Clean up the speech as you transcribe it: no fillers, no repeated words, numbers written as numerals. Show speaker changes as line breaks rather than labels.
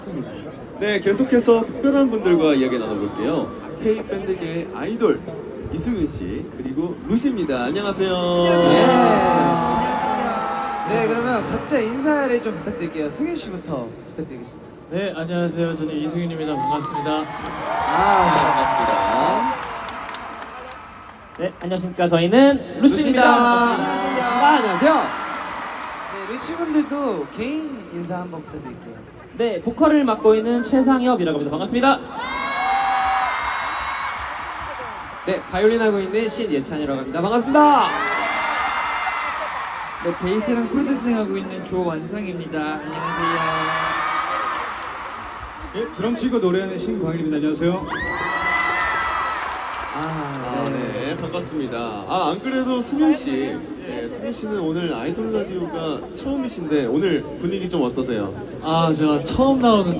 네, 계속해서 특별한 분들과 이야기 나눠볼게요. K-밴드계의 아이돌 이승윤 씨 그리고 루시입니다. 안녕하세요.
네, 그러면 각자 인사를 좀 부탁드릴게요. 승윤 씨부터 부탁드리겠습니다.
네, 안녕하세요. 저는 이승윤입니다. 반갑습니다.
반갑습니다.
네, 안녕하십니까. 저희는 루시입니다. 반갑습니다.
안녕하세요. 네, 루시 분들도 개인 인사 한번 부탁드릴게요.
네, 보컬을 맡고 있는 최상엽이라고 합니다. 반갑습니다.
네, 바이올린 하고 있는 신예찬이라고 합니다. 반갑습니다.
네, 베이스랑 프로듀싱 하고 있는 조완성입니다. 안녕하세요.
네, 드럼 치고 노래하는 신광일입니다. 안녕하세요.
네, 반갑습니다. 안 그래도 승윤 씨, 네, 승윤 씨는 오늘 아이돌 라디오가 처음이신데 오늘 분위기 좀 어떠세요?
제가 처음 나오는